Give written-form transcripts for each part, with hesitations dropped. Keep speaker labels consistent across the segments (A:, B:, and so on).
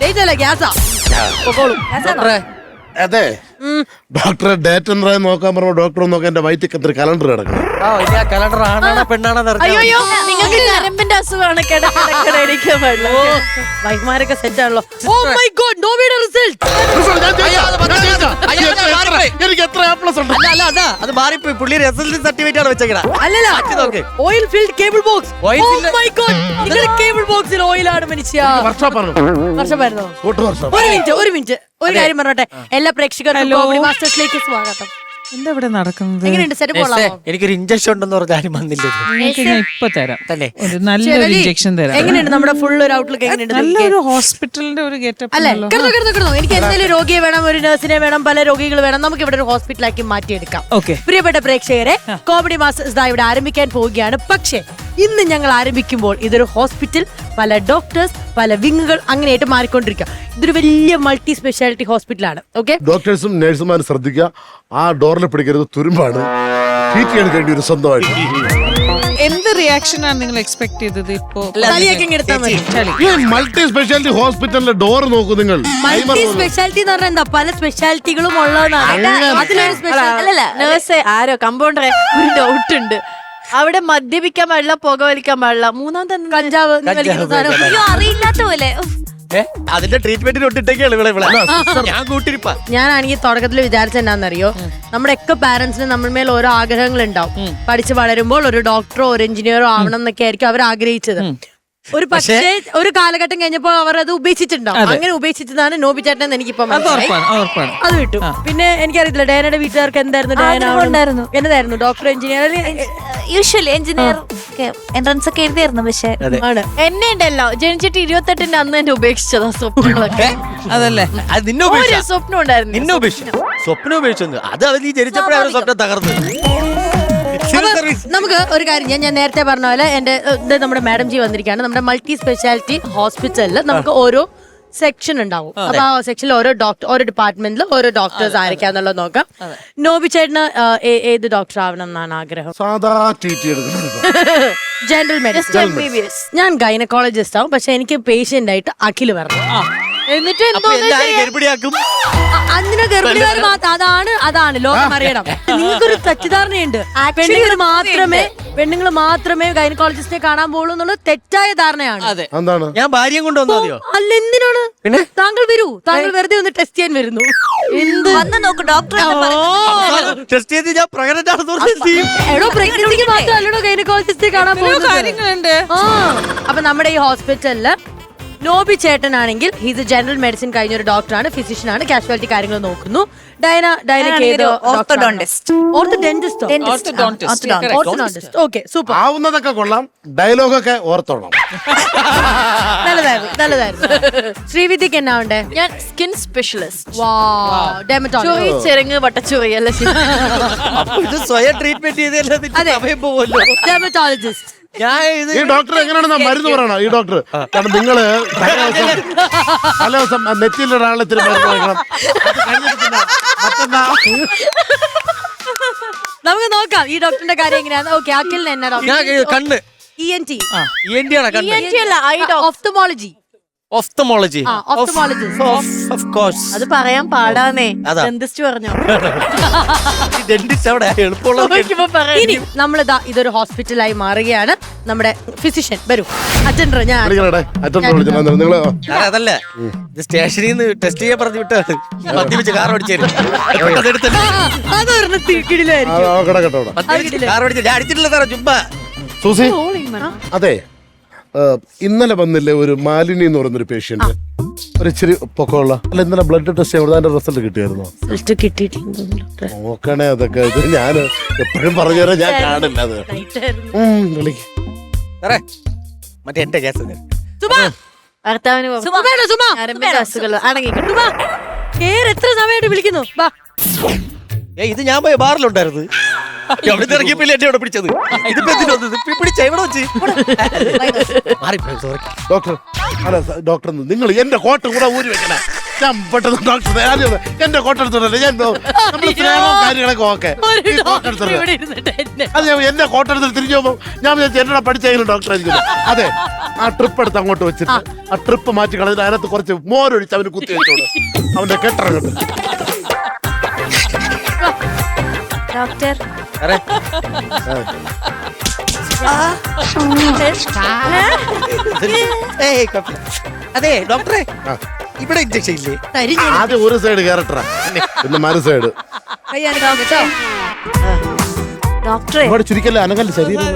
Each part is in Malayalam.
A: ഗ്യാസാ.
B: അതെ ഡോക്ടറെ ഡേറ്റ് എന്താ നോക്കാൻ പറഞ്ഞ ഡോക്ടർ നോക്കാൻ എന്റെ വയറ്റിൽ എത്ര കലണ്ടർ കിടക്കണം.
C: കലണ്ടർ ആണാണോ പെണ്ണാണോ
A: അയ്യോ നിങ്ങൾക്ക് ഞരമ്പിന്റെ അസുഖമാണ്. കിടക്കണ വൈഫ്മാരൊക്കെ സെറ്റ് ആണല്ലോ. ഓ മൈ ഗോഡ്, നോവിയുടെ റിസൾട്ട്.
B: എനിക്ക് എത്ര A+ ഉണ്ട്.
C: അത് മാറിപ്പോയി. പുള്ളി റിസൾട്ട് സർട്ടിഫിക്കറ്റ് ആണ് വെച്ചേക്കണ.
A: അല്ലല്ല, oil filled cable box. Oh my god, നിങ്ങളുടെ കേബിൾ ബോക്സിൽ ഓയിലാണ് മനുഷ്യ. വർഷമായിരുന്നോ? ഒരു മിനിറ്റ് ഒരു കാര്യം പറഞ്ഞോട്ടെ. എല്ലാ പ്രേക്ഷകർക്കും കോമഡി മാസ്റ്റേഴ്സിലേക്ക് സ്വാഗതം.
D: എന്താ ഇവിടെ നടക്കുന്നത്?
A: എങ്ങനെയുണ്ട്? സെറ്റ് കൊള്ളാമോ?
C: എനിക്കൊരു ഇഞ്ചക്ഷൻ ഉണ്ടെന്ന് പറഞ്ഞ ആരും വന്നില്ല.
D: ഞാൻ ഇപ്പൊ തരാം
C: തന്നെ.
D: ഒരു നല്ലൊരു ഇഞ്ചക്ഷൻ തരാം.
A: എങ്ങനെയുണ്ട് നമ്മുടെ ഫുൾ ഒരു ഔട്ട്ലുക്ക്? എങ്ങനെയുണ്ട്?
D: നല്ലൊരു ഹോസ്പിറ്റലിന്റെ ഒരു ഗെറ്റപ്പ്
A: അല്ലേ? കിടന്നു. എനിക്ക് എന്തെങ്കിലും രോഗിയെ വേണം, ഒരു നഴ്സിനെ വേണം, പല രോഗികൾ വേണം. നമുക്ക് ഇവിടെ ഒരു ഹോസ്പിറ്റലാക്കി മാറ്റിയെടുക്കാം.
D: ഓക്കെ.
A: പ്രിയപ്പെട്ട പ്രേക്ഷകരെ, കോമഡി മാസ്റ്റേഴ്സ് ഇവിടെ ആരംഭിക്കാൻ പോവുകയാണ്. പക്ഷേ ഇന്ന് ഞങ്ങൾ ആരംഭിക്കുമ്പോൾ ഇതൊരു ഹോസ്പിറ്റൽ, പല ഡോക്ടേഴ്സ്, പല വിങ്ങുകൾ അങ്ങനെയായിട്ട് മാറിക്കൊണ്ടിരിക്കുക. ഇതൊരു വലിയ മൾട്ടി സ്പെഷ്യാലിറ്റി ഹോസ്പിറ്റലാണ്. ഓക്കെ,
B: ഡോക്ടേഴ്സും നഴ്സുമാരും ശ്രദ്ധിക്കുക, ആ ഡോറിൽ പിടിക്കരുത്, തുരുമ്പാണ്. ട്രീറ്റ് ചെയ്യാൻ വേണ്ടി ഒരു സ്വന്തമായിട്ട്.
D: എന്ത് റിയാക്ഷൻ ആണ് നിങ്ങൾ എക്സ്പെക്ട് ചെയ്തത്? ഇപ്പോ
B: മൾട്ടി സ്പെഷ്യാലിറ്റി ഹോസ്പിറ്റലിന്റെ ഡോർ നോക്കൂ നിങ്ങൾ.
A: മൾട്ടി സ്പെഷ്യാലിറ്റി എന്ന് പറഞ്ഞാൽ എന്താ? പല സ്പെഷ്യാലിറ്റികളും ഉള്ളതാണ്. അതിലൊരു സ്പെഷ്യാലിറ്റി
E: നേഴ്സ് ആരോ കമ്പൗണ്ടറെ ഒരു ഡൗട്ട് ഉണ്ട്. അവിടെ മദ്യപിക്കാൻ പാടില്ല, പുകവലിക്കാൻ പാടില്ല. മൂന്നാമത്തെ
A: കഞ്ചാവ്
E: അറിയില്ലാത്ത പോലെ.
C: അതിന്റെ ട്രീറ്റ്മെന്റിന് ഒട്ടിട്ടേക്കാണ് ഇവിടെ. ഞാൻ കൂട്ടിരിപ്പാ.
A: ഞാനാണെങ്കിൽ തുടക്കത്തിൽ വിചാരിച്ച എന്നാന്നറിയോ, നമ്മുടെ ഒക്കെ പാരന്റ്സിന് നമ്മൾ മേൽ ഓരോ ആഗ്രഹങ്ങൾ ഉണ്ടാവും. പഠിച്ച് വളരുമ്പോൾ ഒരു ഡോക്ടറോ ഒരു എഞ്ചിനീയറോ ആവണം എന്നൊക്കെ ആയിരിക്കും അവർ ആഗ്രഹിച്ചത്. ഒരു പക്ഷേ ഒരു കാലഘട്ടം കഴിഞ്ഞപ്പോൾ അവർ അത് ഉപേക്ഷിച്ചിട്ടുണ്ടാവും. അങ്ങനെ ഉപേക്ഷിച്ചതാണ് നോബി ചേട്ടൻ എന്ന് എനിക്കിപ്പോ അത് വിട്ടു. പിന്നെ എനിക്കറിയത്തില്ല ഡയനയുടെ വീട്ടുകാർക്ക് എന്തായിരുന്നു എന്നതായിരുന്നു? Doctor, engineer?
E: Usually engineer entrance ഒക്കെ എഴുതിയായിരുന്നു. പക്ഷെ എന്നെ ഉണ്ടല്ലോ ജനിച്ചിട്ട് 28-ന്റെ അന്ന് എന്നെ ഉപേക്ഷിച്ചതാ സ്വപ്നങ്ങളൊക്കെ.
D: അതല്ലേ?
C: അത് നിന്നെ
E: ഒരു സ്വപ്നം ഉണ്ടായിരുന്നു.
C: നിന്നെ ഉപേക്ഷിച്ചു. സ്വപ്നം ഉപേക്ഷിച്ചു. അത് നീ ജനിച്ചപ്പോഴേ അവരുടെ സ്വപ്നം തകർന്നു.
A: നമുക്ക് ഒരു കാര്യം ഞാൻ നേരത്തെ പറഞ്ഞ പോലെ നമ്മുടെ മാഡം ജി വന്നിരിക്കുകയാണ്. നമ്മുടെ മൾട്ടി സ്പെഷ്യാലിറ്റി ഹോസ്പിറ്റലിൽ നമുക്ക് ഓരോ സെക്ഷൻ ഉണ്ടാവും. അപ്പൊ ആ സെക്ഷനിൽ ഓരോ ഡിപ്പാർട്ട്മെന്റിൽ ഓരോ ഡോക്ടേഴ്സ് ആയിരിക്കാന്നുള്ളത് നോക്കാം. നോബി ചേട്ടന് ഏത് ഡോക്ടർ ആവണം എന്നാണ് ആഗ്രഹം?
B: സാധാ ട്രീറ്റ് എടുക്കുന്നത്.
A: General medicine. ഞാൻ ഗൈനക്കോളജിസ്റ്റ് ആവും. പക്ഷെ എനിക്ക് പേഷ്യന്റ് ആയിട്ട് അഖിൽ വരണം. എന്നിട്ട് അതിന് ഗർഭിണികാർ അതാണ് ലോകം അറിയണം. നിങ്ങൾക്കൊരു തെറ്റിദ്ധാരണയുണ്ട്. പെണ്ണുങ്ങൾ മാത്രമേ ഗൈനക്കോളജിസ്റ്റിനെ കാണാൻ പോകുള്ളൂ എന്നുള്ളത് തെറ്റായ ധാരണയാണ്.
B: എന്താണ്?
C: ഞാൻ ഭാര്യയും കൊണ്ടുവന്നോ?
A: അല്ല, എന്തിനാണ്? താങ്കൾ വരൂ. താങ്കൾ വെറുതെ ഒന്ന് ടെസ്റ്റ് ചെയ്യാൻ വരുന്നു.
C: ടെസ്റ്റ് ചെയ്ത് ഞാൻ പ്രഗ്നന്റ്
A: എടോ, പ്രഗ്നൻസിക്ക് മാത്രമല്ലടോ ഗൈനക്കോളജിസ്റ്റിനെ കാണാൻ പോകുന്നത്. അപ്പൊ നമ്മുടെ ഈ ഹോസ്പിറ്റലില് നോബി ചേട്ടനാണെങ്കിൽ ഹീസ് എ ജനറൽ മെഡിസിൻ കഴിഞ്ഞ ഒരു ഡോക്ടറാണ്, ഫിസിഷ്യൻ ആണ്, കാഷ്വാലിറ്റി കാര്യങ്ങൾ നോക്കുന്നു.
B: ആവുന്നതൊക്കെ കൊള്ളാം, ഡയലോഗൊക്കെ ഓർത്തോണം.
A: നല്ലതായിരുന്നു. ശ്രീവിദ്യക്ക് എന്നാ ഉണ്ടേ?
E: ഞാൻ സ്കിൻ സ്പെഷ്യലിസ്റ്റ്.
A: ചെറുങ്ങ് വട്ടച്ചുവയല്ല,
C: ഇത് സ്വയം ട്രീറ്റ്മെന്റ് ചെയ്തല്ലോ.
A: ഡെർമറ്റോളജിസ്റ്റ്.
B: ഈ ഡോക്ടർ എങ്ങനെയാണെന്നാ മരുന്ന് പറയണം. ഈ ഡോക്ടർ കാരണം നിങ്ങള് പല ദിവസം നെറ്റിയിലൊരാളെ ഇത്തിരി മരുന്ന് കഴിക്കണം.
A: നമുക്ക് നോക്കാം ഈ ഡോക്ടറിന്റെ കാര്യം എങ്ങനെയാണ്. ഓക്കെ, അഖിലിന് എന്നാ ഡോക്ടർ?
C: കണ്ണ്.
A: ENT.
C: ഓഫ്തമോളജി.
E: അത് പറയാൻ പാടാന്നേ. ഡെന്റിസ്റ്റ് പറഞ്ഞോ.
A: ഇനി നമ്മളിതാ ഇതൊരു ഹോസ്പിറ്റലായി മാറുകയാണ്. നമ്മുടെ ഫിസിഷ്യൻ വരൂ. അറ്റൻഡർ
C: അതല്ല, ഇത് സ്റ്റേഷനിൽ നിന്ന് ടെസ്റ്റ് ചെയ്യാൻ പറഞ്ഞു വിട്ടാണ്. മദ്യപിച്ച് കാർ ഓടിച്ചേരും. അടിച്ചിട്ടില്ല സാറേ, ചുമ്മാ.
B: സൂസി, അതെ, ഇന്നലെ വന്നില്ലേ ഒരു മാലിനി എന്ന് പറയുന്നൊരു പേഷ്യന്റ്, ഒരു ഇച്ചിരി പൊക്കമുള്ള? അല്ല, ഇന്നലെ ബ്ലഡ് ടെസ്റ്റ് ചെയ്ത് അതിന്റെ റിസൾട്ട് കിട്ടിയായിരുന്നോ? നോക്കണേ അതൊക്കെ. ഇത് ഞാൻ എപ്പോഴും പറഞ്ഞു തരാം, ഞാൻ കാണില്ല അത്.
C: മറ്റേ എന്റെ കേസ്
A: എത്ര സമയമായിട്ട് വിളിക്കുന്നു?
C: ഇത് ഞാൻ പോയ ബാറിലുണ്ടായിരുന്നു. എവിടെ ഇറങ്ങിയപ്പോ എന്നെ അവിടെ പിടിച്ചത്. ഇതിപ്പോ പിടിച്ച എവിടെ വെച്ച്?
B: ഡോക്ടർ, അല്ല ഡോക്ടർ, നിങ്ങൾ എന്റെ കോട്ട കൂടെ ഊരി വെക്കണേ. ഞാൻ പെട്ടെന്ന് ഡോക്ടർ എന്റെ കോട്ട എടുത്തോണ്ടല്ലേ ഞാൻ കാര്യങ്ങളൊക്കെ ഓക്കെ. അത് ഞാൻ എന്റെ കോട്ട എടുത്തിട്ട് തിരിച്ചു പോകുമ്പോ ഞാൻ എന്നോട് പഠിച്ചെങ്കിലും ഡോക്ടർ ആയിരിക്കും. അതെ, ആ ട്രിപ്പ് എടുത്ത് അങ്ങോട്ട് വെച്ചിട്ട് ആ ട്രിപ്പ് മാറ്റി കളഞ്ഞിട്ട് അതിനകത്ത് കുറച്ച് മോരൊഴിച്ച് അവന് കുത്തി വെച്ചോട് അവന്റെ കെട്ടിറങ്ങട്ട്.
E: ഡോക്ടർ
C: സാറേ ഏയ് കുഴപ്പമില്ല. അതെ ഡോക്ടറെ ഇവിടെ ഇഞ്ചക്ഷൻ ഇല്ലേ?
B: ആദ്യം ഒരു സൈഡ് കയറട്ടാ പിന്നെ മറു സൈഡ്.
E: ഡോക്ടറെ
B: ഒരുപാട് ചുരുക്കല്ലേ അനങ്ങല്ല ശരീരം.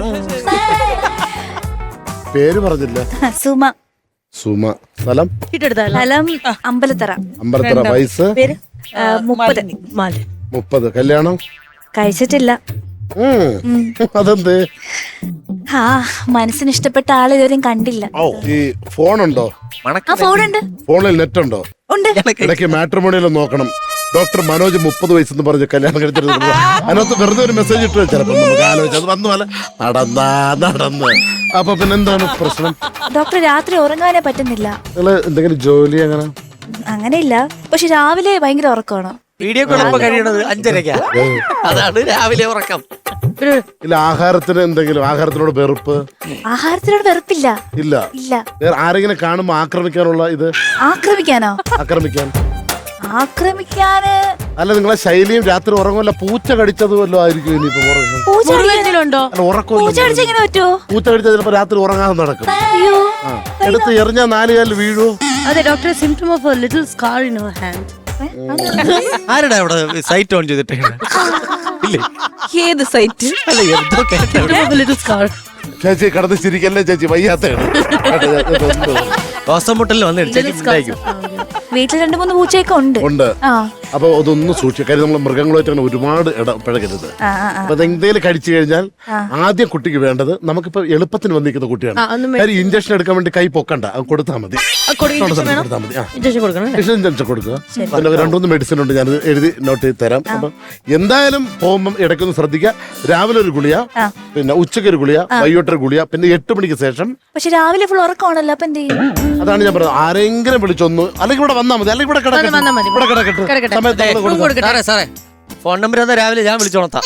B: പേര് പറഞ്ഞില്ല.
E: സുമ.
B: സുമ. സ്ഥലം
E: സ്ഥലം അമ്പലത്തറ.
B: അമ്പലത്തറ. വയസ്സ്
E: 30.
B: 30. കല്യാണം
E: കഴിച്ചിട്ടില്ല.
B: അതെന്ത്?
E: ആ മനസ്സിന് ഇഷ്ടപ്പെട്ട ആളെ ഇതുവരെയും കണ്ടില്ല.
B: ഈ ഫോണുണ്ടോ?
E: ആ ഫോണുണ്ട്.
B: ഫോണിൽ നെറ്റ് ഉണ്ടോ?
E: ഉണ്ട്.
B: ഇടയ്ക്ക് മാട്രിമോണിയിൽ നോക്കണം. ഡോക്ടർ മനോജ് 30 വയസ്സെന്ന് പറഞ്ഞ് കല്യാണം കഴിച്ചിട്ട് അതിനകത്ത് വെറുതെ ഒരു മെസ്സേജ് ഇട്ട് ചിലപ്പോൾ നമുക്ക് ആലോചിച്ചത് വന്നു പോലെ നടന്ന്. അപ്പൊ പിന്നെ എന്താണ് പ്രശ്നം?
E: ഡോക്ടർ രാത്രി ഉറങ്ങാനേ പറ്റുന്നില്ല.
B: നിങ്ങള് എന്തെങ്കിലും ജോലി അങ്ങനെ?
E: അങ്ങനെയില്ല, പക്ഷെ രാവിലെ ഭയങ്കര ഉറക്കമാണ്.
C: Video call കഴിയണത് 5:30. അതാണ് രാവിലെ ഉറക്കം.
B: ഇല്ല ആഹാരത്തിന് എന്തെങ്കിലും ആഹാരത്തിനോട് വെറുപ്പ്?
E: ആഹാരത്തിനോട് വെറുപ്പില്ല.
B: ഇല്ല.
E: ഇല്ല.
B: വേറെ ആരെങ്കിലും കാണുമ്പോ ആക്രമിക്കാനുള്ള ഇത്?
E: ആക്രമിക്കാനോ?
B: ആക്രമിക്കാന് അല്ല നിങ്ങളെ ശൈലിയും രാത്രി ഉറങ്ങുമല്ല പൂച്ച കടിച്ചത് വല്ലതും ആയിരിക്കും ഇനിയിപ്പോ ഉറങ്ങും.
E: പൂച്ച
B: ഉറക്കം
E: കടിച്ച എങ്ങനെ പറ്റുമോ?
B: പൂച്ച കടിച്ചാൽ ചിലപ്പോ രാത്രി ഉറങ്ങാതെ നടക്കും. എടുത്ത് എറിഞ്ഞാൽ 4 കാലിൽ വീഴൂ.
A: അതെ doctor, symptom of a little scar in your hand.
C: ആരുടെ അവിടെ സൈറ്റ് ഓൺ ചെയ്തിട്ട് ഇല്ലേ?
E: ഏത് സൈറ്റ്?
C: അല്ല എന്തോ കേട്ടോ.
A: Little scar.
B: ചേച്ചി കടന്ന് ചിരിക്കല്ലേ ചേച്ചി, വയ്യാത്തയാണ്.
C: ശ്വാസം മുട്ടലിൽ വന്ന് ഇടിച്ചേക്കും.
E: വീട്ടിൽ 2-3 പൂച്ചയൊക്കെ ഉണ്ട്. ആ
B: അപ്പൊ അതൊന്നും സൂക്ഷിക്കുക. കാര്യം നമ്മൾ മൃഗങ്ങളുമായിട്ട് അങ്ങനെ ഒരുപാട് ഇടപഴകരുത്. അപ്പൊ അതെന്തേലും കഴിച്ചു കഴിഞ്ഞാൽ ആദ്യം കുട്ടിക്ക് വേണ്ടത് നമുക്കിപ്പോ എളുപ്പത്തിന് വന്നിരിക്കുന്ന കുട്ടിയാണ്. കാര്യം ഇഞ്ചക്ഷൻ എടുക്കാൻ വേണ്ടി കൈ പൊക്കണ്ട, അത് കൊടുത്താൽ മതി. കൊടുത്താൽ മതി. ഇഞ്ചക്ഷൻ കൊടുക്കുക. പിന്നെ 2-3 മെഡിസിൻ ഉണ്ട്, ഞാൻ എഴുതി നോട്ട് ചെയ്ത് തരാം. അപ്പൊ എന്തായാലും പോകുമ്പോൾ ഇടയ്ക്കൊന്ന് ശ്രദ്ധിക്കുക. രാവിലെ ഒരു ഗുളിയ, പിന്നെ ഉച്ചയ്ക്ക് ഒരു ഗുളിയ, വൈകിട്ടൊരു ഗുളിയ, പിന്നെ 8 മണിക്ക് ശേഷം.
E: പക്ഷെ രാവിലെ ഫുൾ ഉറക്കമാണല്ലോ, അപ്പൊ എന്ത് ചെയ്യും?
B: അതാണ് ഞാൻ പറഞ്ഞത്. ആരെങ്കിലും വിളിച്ചൊന്ന് അല്ലെങ്കിൽ ഇവിടെ വന്നാൽ മതി, അല്ലെങ്കിൽ ഇവിടെ കിടക്കട്ടെ.
C: സാറേ ഫോൺ നമ്പർ തന്നാ രാവിലെ ഞാൻ വിളിച്ചോളത്താം.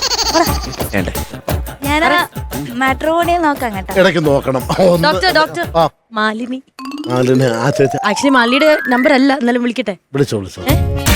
E: ഞാൻ മാട്രിമോണിയിൽ നോക്കാം കേട്ടോ.
B: ഇടയ്ക്ക് നോക്കണം.
A: ഡോക്ടർ മാലിനി.
B: ആ ചേച്ചി
A: ആക്ച്വലി മാലിനിയുടെ നമ്പർ അല്ല, എന്നാലും വിളിക്കട്ടെ.
B: വിളിച്ചോ.